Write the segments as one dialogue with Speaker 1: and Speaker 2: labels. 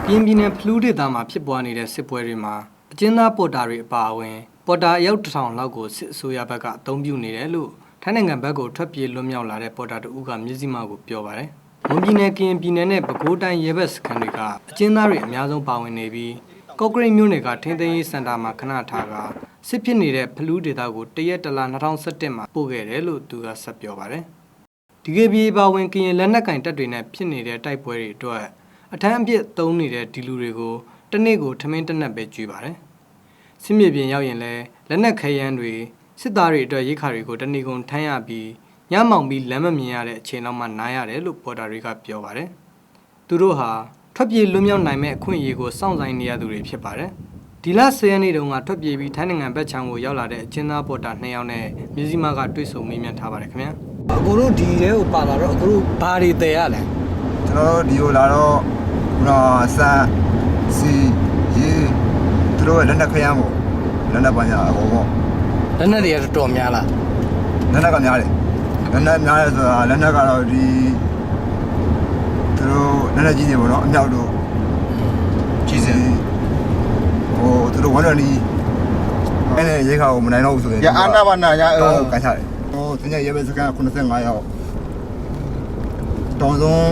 Speaker 1: ကင်းပြည်နယ်ဖလူးဒေသမှာဖြစ်ပွားနေတဲ့စစ်ပွဲတွေမှာအကျဉ်းသားပေါ်တာတွေအပါအဝင်ပေါ်တာအယောက်1000လောက်ကိုစစ်အစိုးရဘက်ကအသုံးပြုနေတယ်လို့ထိုင်းနိုင်ငံဘက်ကိုထွက်ပြေးလွတ်မြောက်လာတဲ့ပေါ်တာတို့ကမျက်စိမှောက်ကိုပြောပါတယ်။မွန်ပြည်နယ်ကရင်ပြည်နယ်နဲ့ပဲခူးတိုင်းရဲဘက်စခန်းတွေကအကျဉ်းသားတွေအများဆုံးပါဝင်နေပြီးကော့ကရိတ်မြို့နယ်ကထင်းသိမ်းရေးစင်တာမှာခဏထားကစစ်ဖြစ်နေတဲ့ဖလူးဒေသကိုတရက်တလ2017မှာပို့ခဲ့တယ်လို့သူကဆက်ပြောပါတယ်။ဒီကေဘီပါဝင်ကရင်လက်နက်ကင်တပ်တွေနဲ့ဖြစ်နေတဲ့တိုက်ပွဲတွေအတွက်အထမ်းအပြစ်သုံးနေတဲ့ဒီလူတွေကိုတနေ့ကိုထမင်းတနက်ပဲကျွေးပါတယ်။စစ်မြေပြင်ရောက်ရင်လည်းလက်နက်ခဲယမ်းတွေစစ်သားတွေအတွက်ရိတ်ခါတွေကိုတနေ့ကုန်ထမ်းရပြီးညမောင်ပြီးလမ်းမမြင်ရတဲ့အချိန်လောက်မှနားရတယ်လို့ပေါ်တာတွေကပြောပါတယ်။သူတို့ဟာထွက်ပြေးလွတ်မြောက်နိုင်မဲ့အခွင့်အရေးကိုစောင့်ဆိုင်နေရသူတွေဖြစ်ပါတယ်။ဒီလ10ရက်နေ့တုန်းကထွက်ပြေးပြီးထိုင်းနိုင်ငံဘက်ခြမ်းကိုရောက်လာတဲ့အကျဉ်းသားပေါ်တာ2ယောက်နဲ့မြစည်းမကတွေ့ဆုံမေးမြန်းထားပါတယ်ခင်ဗျာ။အခုတို့ဒီထဲကိုပါလာတော့အခုတို့ဘာတွေတည်ရလဲ။
Speaker 2: ကျွန်တော်တို့ဒီကိုလာတော့ဆန်စီရေသူတို့လက်နက်ခရမ်းပေါ့လက်နက်ပညာအကုန်ပေါ့
Speaker 1: လက်နက်တွေကတော်များလား
Speaker 2: လက်နက်ကများတယ်လက်နက်များတယ်ဆိုတာလက်နက်ကတော့ဒီသူတို့လက်နက်ကြီးတွေပေါ့နော်အမြောက်တို့ကြီးစင်သူတို့ဝမ်းတော်နီးအဲ့နဲ့ရေခါကိုမနိုင်တော့ဘူးဆိုရင်
Speaker 3: ရအာနာဘာနာရ
Speaker 2: တော့ကန်ချတယ်သင်္ကြန်ရဲဘက်စကန်85ရောက်တောင်ဆုံး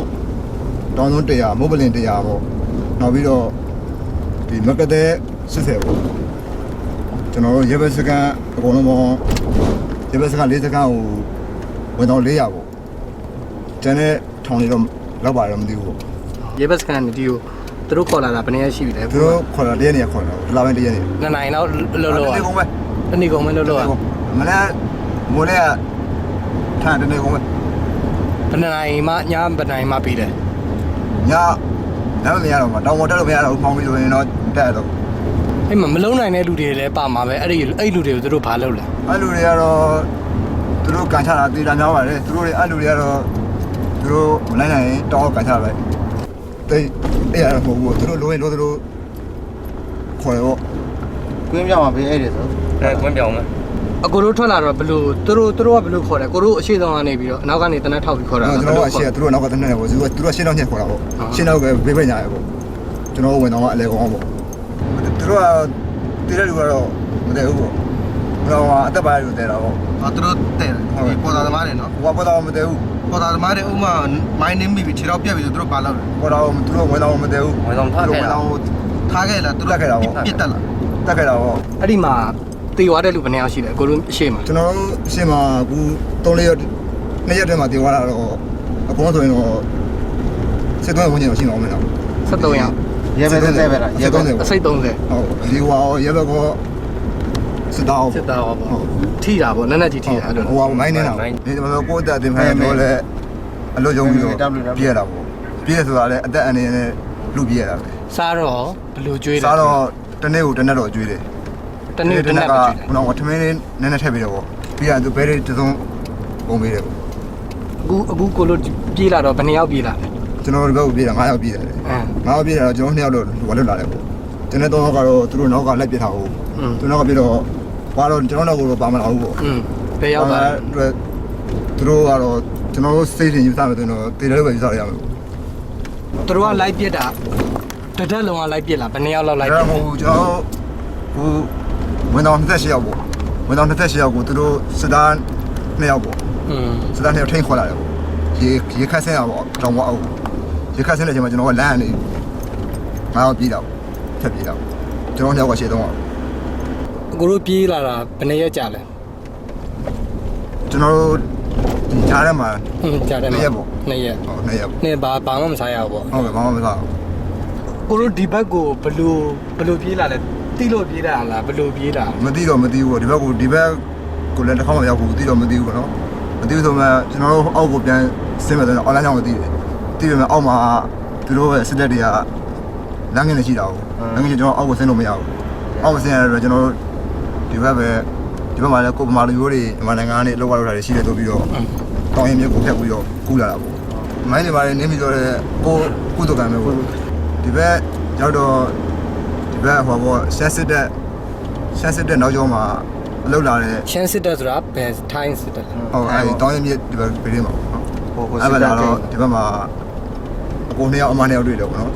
Speaker 2: 100မိုးပလင်100ပေါ့နောက်ပြီးတော့ဒီမကတဲ့80ပေါ့ကျွန်တော်တို့ရဲဘက်စကန်အကုန်လုံးပေါ့ရဲဘက်စကန်40စကန်ကိုဝင်တော့400ပေါ့ကျန်တဲ့ထောင်တွေတော့လောက်ပါတော့မသိဘူးပေါ့
Speaker 1: ရဲဘက်စကန်ဒီကိုသူတို့ခေါ်လာတာဘယ်နည်းရှိပြီလဲ
Speaker 2: သူတို့ခေါ်လာတရက်နေခေါ်လာလာပိုင်းတရက်နေ
Speaker 1: 2နိုင်တော့လောလော
Speaker 2: တနေ့ကုန်ပဲ
Speaker 1: တနေ့ကုန်ပဲလောလော
Speaker 2: မနေ့မိုးနေ့ကထားတနေ့ကုန်ပဲ
Speaker 1: ဘယ်နိုင်မှညဘယ်နိုင်မှပြီးတယ်
Speaker 2: ညလည်းမရတော့မှာတောင်ပေါ်တက်လို့မရတော့ဘူးပေါင်းပြီးဆိုရင်တော့တက်တော့
Speaker 1: အဲ့မှာမလုံးနိုင်တဲ့လူတွေလည်းပါမှာပဲအဲ့လူတွေကိုသူတို့ဘာလုပ်လဲ
Speaker 2: အဲ့လူတွေကတော့သူတို့ကန်ချတာတေးတာများပါတယ်သူတို့တွေအဲ့လူတွေကတော့သူတို့မနိုင်နိုင်တောင်းကန်ချလိုက်တိတ်အဲ့ရတော့ဘူးသူတို့လိုရင်လိုသူတို့ခေါ်ရော
Speaker 3: ကွင်းပြောင်းမှာပေးအဲ့တယ်ဆို
Speaker 1: ကွင်းပြောင်းမယ်အကိုတို့ထွက်လာတော့ဘလို့သူတို့ကဘလို့ခေါ်တယ်ကိုတို့အရှိဆုံးကနေပြီးတော့အနောက်ကနေတနက်ထောက်ပြီးခေါ်တာ
Speaker 2: ကျွန်တော်ကအရှိသူတို့နောက်ကတနက်နဲ့ပေါ့သူတို့ရှင်းတော့ညက်ခေါ်တာပေါ့ရှင်းတော့ပဲဘေးဘက်ညာရပေါ့ကျွန်တော်ဝင်တော့အလဲကောင်းပေါ့သူတို့ကတည်တဲ့လူကတော့မတည်ဘူးပေါ့တော့အသက်ပါရလို့တည်တာပေါ့
Speaker 3: သူတို့တည်တယ်ပေါ်တာသမားတွေနော်
Speaker 2: ဟိုပေါ်တာမတည်ဘူး
Speaker 3: ပေါ်တာသမားတွေဥမာမိုင်းနေမိပြီးခြေတော့ပြက်ပြီးဆိုသူတို့ပါလောက်တယ်
Speaker 2: ပေါ်တာသူတို့ဝင်တော့မတည်ဘူး
Speaker 1: ဝင်တော့ထားခဲ့လား
Speaker 3: ထားခဲ့လားသူတို့
Speaker 2: တက်ခဲ့တာပေါ့
Speaker 3: ပြစ်တက်လား
Speaker 2: တက်ခဲ့တာပေါ့
Speaker 1: အဲ့ဒီမှာတေသွားတဲ့လူဘယ်နှယောက်ရှိလဲအကိုတို့အရှိမှာ
Speaker 2: ကျွန်တော်တို့အရှိမှာအခု3-4ရက်2ရက်တည်းမှာတေသွားတာတော့အကုန်ဆိုရင်တော့စစ်သွင်းဝင်နေတော့ရှိမှာမဟုတ်လား
Speaker 1: 73ယောက်
Speaker 3: ရဲဘက်30ပဲလား
Speaker 1: ရဲဘက်အစိတ်30ဟုတ်
Speaker 2: ဒီဟောရဲဘက်ကစစ်သား
Speaker 1: ပေါ့ထိတာပေါ့နက်နက်ကြီးထိတာအဲ့လို
Speaker 2: ဟိုမိုင်းနေတာဒီမှာကိုတက်တင်ဖိုင်တော့လဲအလို့ယုံပြီးတော့ပြည့်ရတာပေါ့ပြည့်ဆိုတာလဲအသက်အန္တရာယ်နဲ့လူပြည့်ရတာပဲ
Speaker 1: စားတော့ဘယ်လိုကျွေးလဲ
Speaker 2: စားတော့တနေ့ကိုတနက်တော့ကျွေးတယ်
Speaker 1: တနေ့တနက်က
Speaker 2: တော့ထမင်းလေးနည်းနည်းထည့်ပြီးတော့ပေါ့ပြီးရင်သူဘဲလေးတစ်စုံပုံပေးတယ်ပေါ့
Speaker 1: အခုကိုလို့ပြေးလာတော့ဘယ်နှစ်ယောက်ပြေးလာလဲ
Speaker 2: ကျွန်တော်တို့ဘက်ကိုပြေးတာ9ယောက်ပြေးတယ်9ယောက်ပြေးတာတော့ကျွန်တော်2ယောက်တော့ဝလွတ်လာတယ်ပေါ့ကျွန်တော်3ယောက်ကတော့သူတို့နောက်ကလိုက်ပြထားအောင်သူနောက်ကပြေးတော့ဘာတော့ကျွန်တော်တော့ပါမလာဘူးပေါ့
Speaker 1: ဘယ်ရောက်ပါလဲ
Speaker 2: သူတို့ကတော့ကျွန်တော်တို့စိတ်ထင်ယူစားမယ်ဆိုတော့တေတယ်လို့ပဲယူစားရမယ်
Speaker 1: သူတို့ကလိုက်ပြတာတတက်လုံးကလိုက်ပြလာဘယ်နှစ်ယောက်လောက်လိုက်ပြ
Speaker 2: ဟိုကျွန်တော်ဟိုဝင်တော့28ယောက်ပေါ့ဝင်တော့28ယောက်ကိုသူတို့စစ်သား2ယောက်ပေါ့စစ်သား2ယောက်ထိန်းခေါ်လာတယ်ပေါ့ရေခတ်ဆင်းရပေါ့တောင်ဝအောင်ရေခတ်ဆင်းတဲ့အချိန်မှာကျွန်တော်ကလမ်းကနေငါတော့ပြေးတော့ထပ်ပြေးတော့ကျွန်တော်2ယောက်ကရှေ့တော့
Speaker 1: အကိုတို့ပြေးလာတာဘယ်နှစ်ရက်ကြာလဲ
Speaker 2: ကျွန်တော်တို့ဒီကြားထဲမှာ
Speaker 1: ကြားထဲမှာ
Speaker 2: 2ရက်ပေါ့
Speaker 1: 2ရက်
Speaker 2: ဟုတ်2ရက်
Speaker 1: နေဘာမှမစားရဘူးပေါ့
Speaker 2: ဟုတ်ကဲ့ဘာမှမစားဘူး
Speaker 1: ကိုတို့ဒီဘက်ကိုဘလို့ပြေးလာလဲတီးလို့ပြေးတာလားဘလို့ပြေးတာ
Speaker 2: မသိတော့မသိဘူးပေါ့ဒီဘက်ကိုလည်းတစ်ခါမှမရောက်ဘူးသိတော့မသိဘူးပေါ့နော်မသိဘူးဆိုမှကျွန်တော်တို့အောက်ကိုပြန်ဆင်းမယ်ဆိုတော့ online ကြောင့်မသိတယ်သိပေမဲ့အောက်မှာသူတို့ရဲ့စစ်တပ်တွေကလမ်းငယ်နေရှိတာကိုလမ်းငယ်ကျွန်တော်အောက်ကိုဆင်းလို့မရဘူးအောက်ကိုဆင်းရတော့ကျွန်တော်တို့ဒီဘက်မှာလည်းကိုပမာလူမျိုးတွေမြန်မာနိုင်ငံကနေလောက်လာတာရှိတယ်ဆိုပြီးတော့တောင်းရင်မြေကိုဖျက်ပြီးတော့ကူးလာတာပေါ့မိုင်းတွေပါတယ်နင်းပြီးတော့ကိုကုသကံပဲပေါ့ဒီဘက်ရောက်တော့ဒီဘက်ဟောပေါ့ရှမ်းစစ်တပ်နောက်ကျောင်းမှာအလုပ်လာတဲ့
Speaker 1: ရှမ်းစစ်တပ်ဆိုတာဘယ်ထိုင်းစစ်တပ်
Speaker 2: ဟုတ်အဲဒီတောင်းရင်မြေဒီဘက်ပြည်မှာပေါ့အဲ့ဘက်လာတော့ဒီဘက်မှာအကို2ယောက်အမ2ယောက်တွေ့တယ်ပေါ့နော်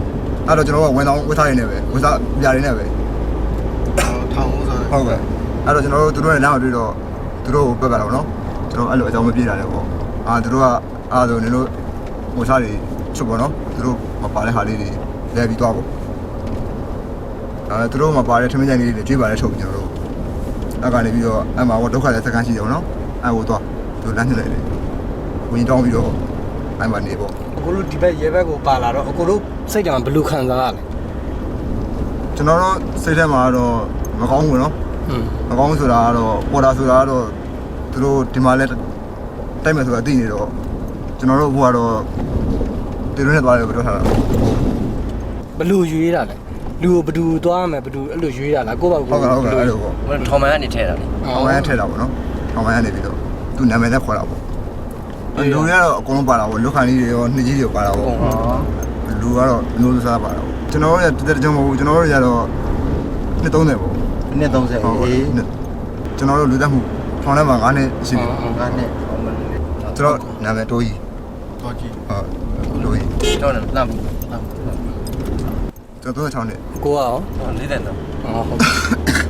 Speaker 2: အဲ့တော့ကျွန်တော်ကဝန်ဆောင်ဝတ်ထားရနေပဲဝန်စားပြရနေပဲ
Speaker 3: ထောင်ဦးဆို
Speaker 2: ဟုတ်ကဲ့အဲ့တော့ကျွန်တော်တို့သူတို့နဲ့နားမတွေ့တော့သူတို့ကိုပက်ကတော့နော်ကျွန်တော်အဲ့လိုအကြောင်းမပြေတာလည်းပေါ့သူတို့ကအဲ့ဆိုနေလို့ဟိုစားတွေချုပ်ပေါ့နော်သူတို့မပါတဲ့ဟာလေးတွေလဲပြီးသွားပေါ့သူတို့မပါတဲ့ထမင်းကြိုင်လေးတွေကြွေးပါလဲထုတ်ပြီးကျွန်တော်တို့အဲ့ကနေပြီးတော့အဲ့မှာဒုက္ခတဲ့စကန်ရှိတယ်ပေါ့နော်အဲ့ဟိုသွားသူလမ်းညွှန်လိုက်တယ်ဝင်တောင်းပြီးတော့အဲ့မှာနေပေါ့
Speaker 1: အခုတို့ဒီဘက်ရဲဘက်ကိုပါလာတော့အခုတို့စိတ်ကြံဘယ်လိုခံစားရလဲ
Speaker 2: ကျွန်တော်တို့စိတ်ထဲမှာတော့မကောင်းဘူးနော်မကောင်းဆိုတာကတော့ပေါ်တာဆိုတာကတော့သူတို့ဒီမှာလဲတိုက်မယ်ဆိုတာသိနေတော့ကျွန်တော်တို့ဘုကတော့တီရွန်းနဲ့သွားတယ်ပြောထားတာ
Speaker 1: ဘယ်လိုရွေးတာလဲလူကိုဘယ်သူသွားမယ်ဘယ်သူအဲ့လိုရွေးတာလားကိုယ့်ဘာ
Speaker 2: ဟုတ်ကဲ့အဲ့လိုပေါ့
Speaker 4: ဟိုထောင်မှန်ကနေထဲတာလေ
Speaker 2: ထောင်ဝမ်းထည့်တာပေါ့နော်ထောင်ဝမ်းကနေပြီးတော့သူနာမည်နဲ့ခေါ်တာပေါ့လူတွေကတော့အကုန်လုံးပါတာပေါ့လူခါကြီးတွေရောနှစ်ကြီးတွေပါတာပေါ့လူကတော့လူစားပါတာပေါ့ကျွန်တော်တို့ရတက်ကြမဟုတ်ဘူးကျွန်တော်တို့ရတော့နှစ်30ပေါ့
Speaker 4: နှစ်30အေး
Speaker 2: ကျွန်တော်တို့လူသက်မှုထောင်ထဲမှာ9နှစ်ရှိတယ်
Speaker 4: ငါနဲ့ဟောမလို့
Speaker 2: ကျွန်တော်နာမည်တိုးကြီး
Speaker 3: တော့ကြည့်
Speaker 2: ဟုတ်တိုးကြီး
Speaker 4: တော့လမ်းဘူး
Speaker 2: ကျွန်တော်36နှစ်
Speaker 1: ကိုကရော
Speaker 4: လေးတဲ့တော့
Speaker 1: ဟုတ်